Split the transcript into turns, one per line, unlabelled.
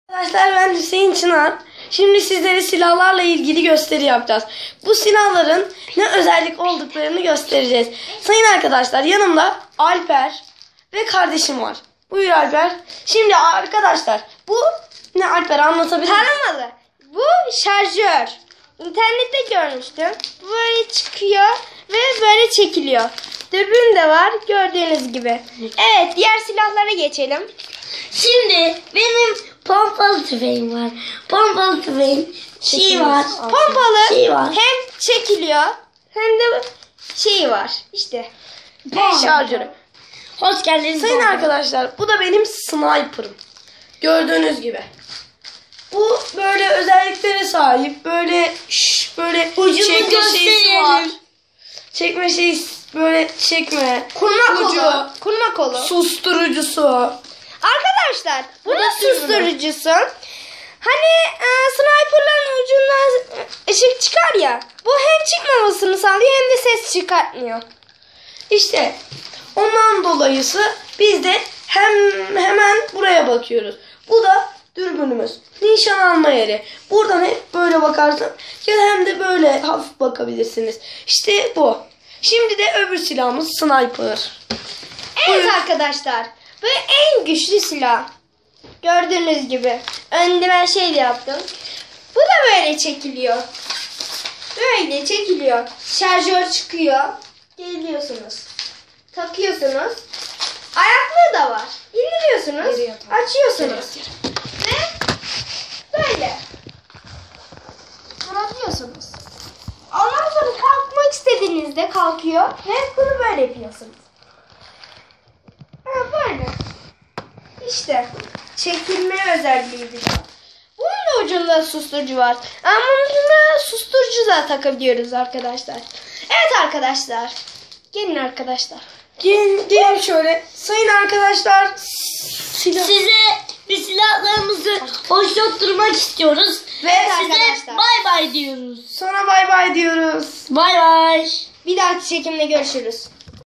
Arkadaşlar ben Hüseyin Çınar. Şimdi sizlere silahlarla ilgili gösteri yapacağız. Bu silahların ne özellik olduklarını göstereceğiz. Sayın arkadaşlar yanımda Alper ve kardeşim var. Buyur Alper. Şimdi arkadaşlar bu ne Alper anlatabilir misin?
Taramalı. Bu şarjör. İnternette görmüştüm. Böyle çıkıyor ve böyle çekiliyor. Dürbün de var gördüğünüz gibi. Evet diğer silahlara geçelim.
Şimdi benim pompalı tüfeğim var. Pompalı tüfeğim var.
Pompalı
var.
hem çekiliyor hem de şeyi var. İşte.
Şarjörü.
Hoş geldiniz.
Sayın arkadaşlar bu da benim sniper'ım. Gördüğünüz gibi. Bu böyle özelliklere sahip. Böyle böyle
Ucunu
çekme şeysi
gösterelim.
var. Çekme şeysi böyle çekme.
Kurma
Ucu.
kolu. Kurma kolu.
Susturucusu.
Arkadaşlar bunun
Nasıl ürünü?
susturucusu. Hani sniperların ucundan ışık çıkar ya. Bu hem çıkmamasını sağlıyor hem de ses çıkartmıyor.
İşte ondan dolayısı biz de hemen buraya bakıyoruz. Bu da dürbünümüz. Nişan alma yeri. Buradan hep böyle bakarsın ya da hem de böyle hafif bakabilirsiniz. İşte bu. Şimdi de öbür silahımız sniper.
Evet
Buyur.
arkadaşlar. Bu en güçlü silah. Gördüğünüz gibi. Önde ben şey de yaptım. Bu da böyle çekiliyor. Böyle çekiliyor. Şarjör çıkıyor. Geliyorsunuz. Takıyorsunuz. Ayaklığı da var. İndiriyorsunuz.
Geriye tak.
Açıyorsunuz. Ve böyle. Bırakıyorsunuz. Ondan sonra kalkmak istediğinizde kalkıyor. Ve bunu böyle yapıyorsunuz. Ha, böyle. İşte çekilme özelliği bir. Bunun da ucunda susturucu var. Ama bunun ucunda susturucu da takabiliyoruz arkadaşlar. Evet arkadaşlar. Gelin arkadaşlar.
Gelin şöyle. Sayın arkadaşlar silah.
Size bir silahlarımızı hoşlattırmak istiyoruz.
Ve
Size
arkadaşlar.
bay bay diyoruz.
Sonra bay bay diyoruz.
Bay bay.
Bir dahaki çekimde görüşürüz.